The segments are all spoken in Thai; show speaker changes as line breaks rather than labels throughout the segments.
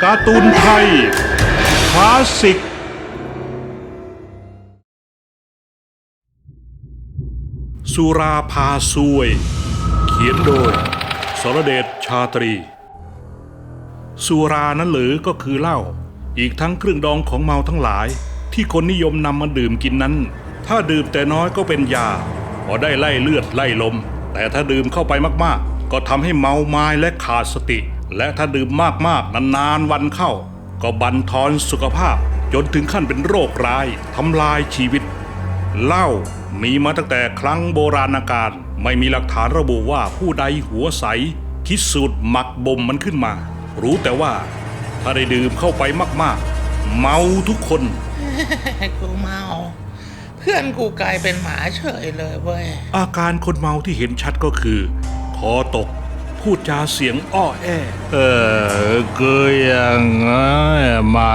การ์ตูนไทยคลาสสิกสุราพาซวยเขียนโดยสรเดชชาตรีสุรานั้นหรือก็คือเหล้าอีกทั้งเครื่องดองของเมาทั้งหลายที่คนนิยมนำมาดื่มกินนั้นถ้าดื่มแต่น้อยก็เป็นยาพอได้ไล่เลือดไล่ลมแต่ถ้าดื่มเข้าไปมากๆก็ทำให้เมาไม้และขาดสติและถ้าดื่มมากๆนานๆวันเข้าก็บั่นทอนสุขภาพจนถึงขั้นเป็นโรคร้ายทำลายชีวิตเหล้ามีมาตั้งแต่ครั้งโบราณกาลไม่มีหลักฐานระบุว่าผู้ใดหัวใสคิดสูตรหมักบ่มมันขึ้นมารู้แต่ว่าถ้าได้ดื่มเข้าไปมากๆเมาทุกคน
กูเมาเพื่อนกูกลายเป็นหมาเฉยเลยเว้ย
อาการคนเมาที่เห็นชัดก็คือคอตกพูดจาเสียงอ้อแอก็ยังไงมา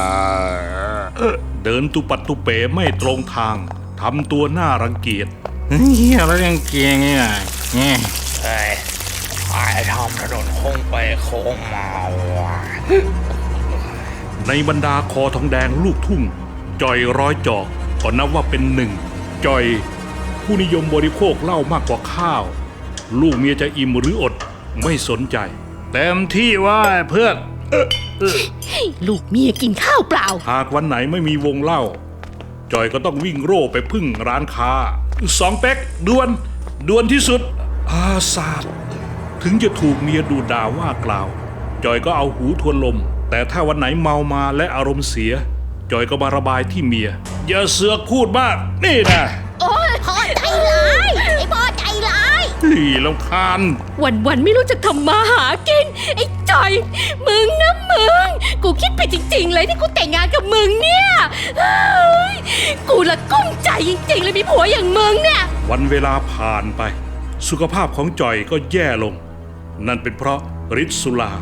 เดินตุปัดตุเป๋ไม่ตรงทางทำตัวน่ารังเกียจ
เฮียแล้วยังเกียงเนี่ย
เฮ้ยไอ้ทำถนนโค้งไปโค้งมาว่ะ
ในบรรดาคอทองแดงลูกทุ่งจอยร้อยจอกก็นับว่าเป็นหนึ่งจอยผู้นิยมบริโภคเหล้ามากกว่าข้าวลูกเมียจะอิ่มหรืออดไม่สนใจเต็มที่ว่าเพื่อน
ลูกเมียกินข้าวเปล่า
หากวันไหนไม่มีวงเหล้าจอยก็ต้องวิ่งโร่ไปพึ่งร้านค้า2 เป๊กด่วนที่สุดศาสตร์ถึงจะถูกเมียดูด่าว่ากล่าวจอยก็เอาหูทวนลมแต่ถ้าวันไหนเมามาและอารมณ์เสียจอยก็มาระบายที่เมียอย่าเสือกพูดมากนี่นะ
โอ้ยพ่อใจร้ายไอ้พ่อใจร้าย
รำคาญ
วันไม่รู้จะทำมาหากินไอ้จอยมึงนะมึงกูคิดไปจริงๆเลยที่กูแต่งงานกับมึงเนี่ยกูละกุ้มใจจริงๆเลยมีผัวอย่างมึงเนี่ย
วันเวลาผ่านไปสุขภาพของจอยก็แย่ลงนั่นเป็นเพราะฤทธิ์สุรา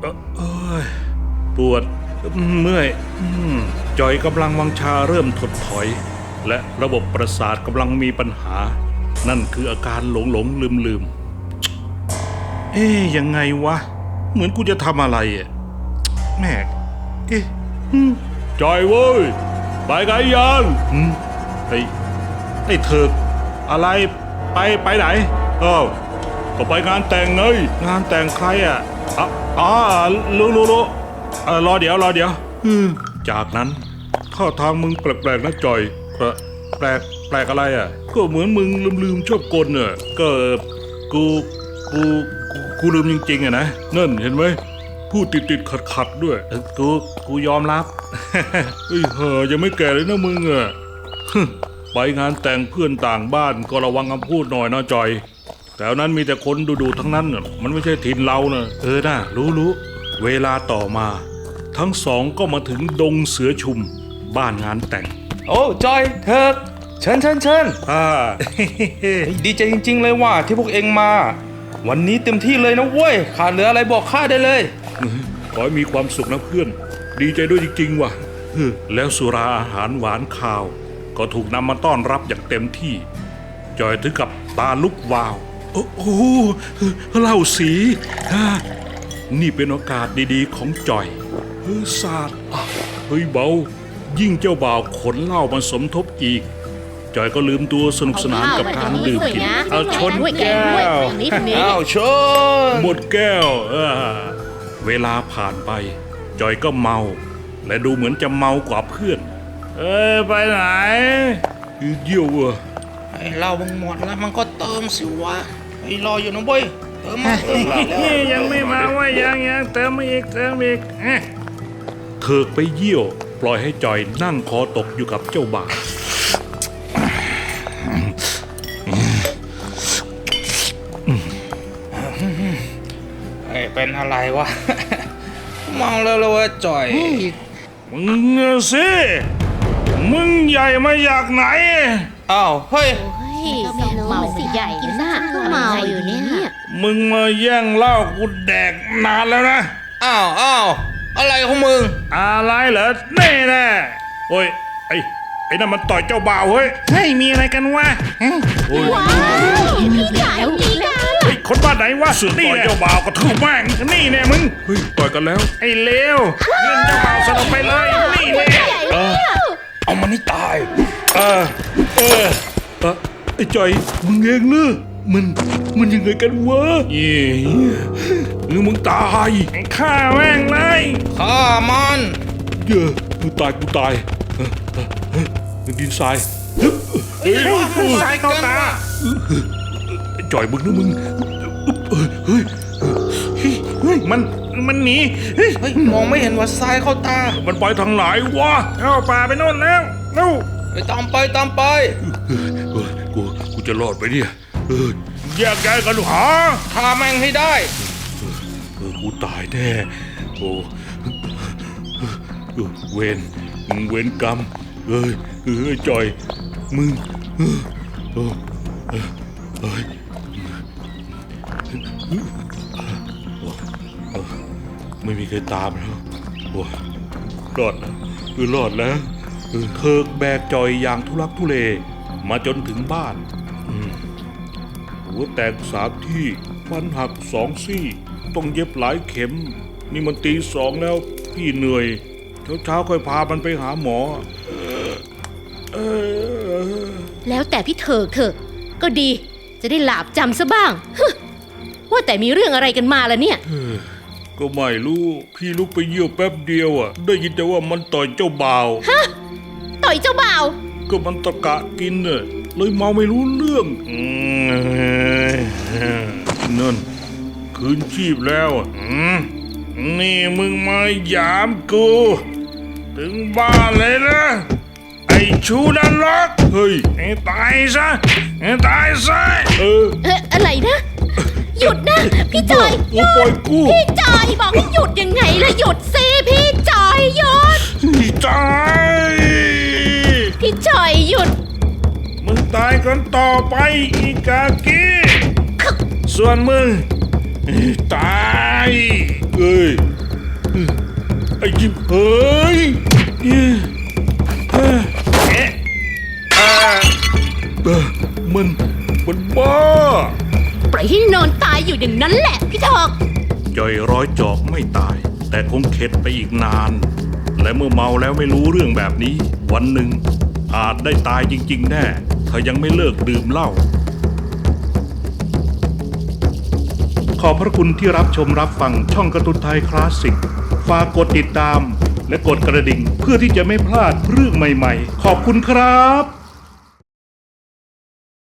ปวดเมื่อยจอยกำลังวังชาเริ่มถดถอยและระบบประสาทกำลังมีปัญหานั่นคืออาการหลงลืมยังไงวะเหมือนกูจะทำอะไรแม่จอยเว้ยไปไงยังไอ้เถิกอะไรไปไหนก็ไปงานแต่งไงงานแต่งใครรู้รอเดี๋ยวจากนั้นท่าทางมึงแปลกๆนะจอยแปลกอะไรก็เหมือนมึงลืมชอบกลก็กูลืมจริงๆนะนั่นเห็นไหมพูดติดขัดด้วยกูยอมรับยังไม่แก่เลยนะมึงไปงานแต่งเพื่อนต่างบ้านก็ระวังคำพูดหน่อยนะจอยแถวนั้นมีแต่คนดูทั้งนั้นมันไม่ใช่ถิ่นเรานะน่ะรู้เวลาต่อมาทั้งสองก็มาถึงดงเสือชุมบ้านงานแต่ง
โอ้จอยเถิกเชิญดีใจจริงๆเลยว่าที่พวกเองมาวันนี้เต็มที่เลยนะเว้ยขาดเหลืออะไรบอกข้าได้เลย
ขอให้มีความสุขนะเพื่อนดีใจด้วยจริงๆว่ะแล้วสุราอาหารหวานข้าวก็ถูกนำมาต้อนรับอย่างเต็มที่จอยถึงกับตาลุกวาวโอ้โหเหล้าสีนี่เป็นโอกาสดีๆของจอยศาสตร์เบายิ่งเจ้าบ่าวขนเหล้ามาสมทบอีกจอยก็ลืมตัวสนุกสนานกับการดื่มกินเอาชนแก้ว
ชน
หมดแก้วเวลาผ่านไปจอยก็เมาและดูเหมือนจะเมากว่าเพื่อนไปไหนเยี่ยว
ไอ้เรามึงหมดแล้วมันก็เติมสิวะไอ้รออยู่นะเว้ยเติมมา
ยังไม่มาว่ายังเติมอีกเถิกไปเยี่ยวปล่อยให้จอยนั่งคอตกอยู่กับเจ้าบ่าว
เป็นอะไรวะเมาแล้ววะจอย
มึงสิมึงใหญ่มาจากไหน
อ้าวเฮ้ย
เมาสิใหญ่นะก็เมาอยู่เนี่ย
มึงมาแย่งเหล้ากูแดกนานแล้วนะ
อ้าวอะไรของมึง
อะไรเหรอแน่โอ้ยไอ้นั่นมันต่อยเจ้าบ่าวเฮ้ย
มีอะไรกันวะว้าวพี่ใหญ่มีกัน
คนบ้านไหนวะนี่เจ้าบ่าวก็ถูกแม่งนี่แน่มึงเฮ้ยต่อยกันแล้วไอ้เลวเล่นเจ้าบ่าวสนุกไปเลยนี่แน่
เอามันให้ตาย
ไอ้จอยมึงเองเนอะมันยังไงกันวะเย่หรือมึงตายฆ่าแม่งเลย
ฆ่ามัน
เยอะกูตายดินทรายเฮ้ยทรายเข้าตาจอยมึงนะมึงเฮ้ยมันหนีเฮ้ย
เฮ้ยมองไม่เห็นว่าทรายเข้าตา
มันไปทางไหนวะเข้าป่าไปโน่นแล้วเร็ว
ไปตามไป
กูจะรอดไปเนี่ยแยกย้ายกันหา
ฆ่าแม่งให้ได้
กูตายแน่โอ้เวรกรรมจอยมึงไม่มีใครตามแล้วรอดแล้วรอดแล้วเทิกแบกจอยอย่างทุลักทุเลมาจนถึงบ้านหัวแตก3 ที่ฟันหัก2 ซี่ต้องเย็บหลายเข็มนี่มันตี 2แล้วพี่เหนื่อยเช้าค่อยพามันไปหาหมอ
แล้วแต่พี่เถิกเถอะก็ดีจะได้หลาบจำซะบ้างว่าแต่มีเรื่องอะไรกันมาล่ะเนี่ย
ก็ไม่รู้พี่ลุกไปเยี่ยวแป๊บเดียวได้ยินแต่ว่ามันต่อยเจ้าบ่าว
ต่อยเจ้าบ่าว
ก็มันตะกะกินเลยเมาไม่รู้เรื่องนั่นคืนชีพแล้วนี่มึงมาหยามกูถึงบ้านเลยนะไอ้ชูนรกเฮ้ยไอ้ตายซะ
อะไรนะ หยุดนะพี่จอยหยุ
ปล่อย
ด
กู
พี่จอยบอกให้หยุดยังไงล่ะหยุดสิพี่จอยหยุด
พี่ตาย
พี่จอยหยุด
มึงตายกันต่อไปอีกากีส่วนมึงตายไอ้ยิ้มเฮ้ยมันบ้า
ปล่อยให้นอนตายอยู่อย่างนั้นแหละพี่ทอก
จ่อยร้อยจอกไม่ตาย แต่คงเข็ดไปอีกนาน และเมื่อเมาแล้วไม่รู้เรื่องแบบนี้ วันหนึ่งอาจได้ตายจริงๆแน่ถ้ายังไม่เลิกดื่มเหล้าขอบพระคุณที่รับชมรับฟังช่องการ์ตูนไทยคลาสสิกฝากกดติดตามและกดกระดิ่งเพื่อที่จะไม่พลาดเรื่องใหม่ๆขอบคุณครับ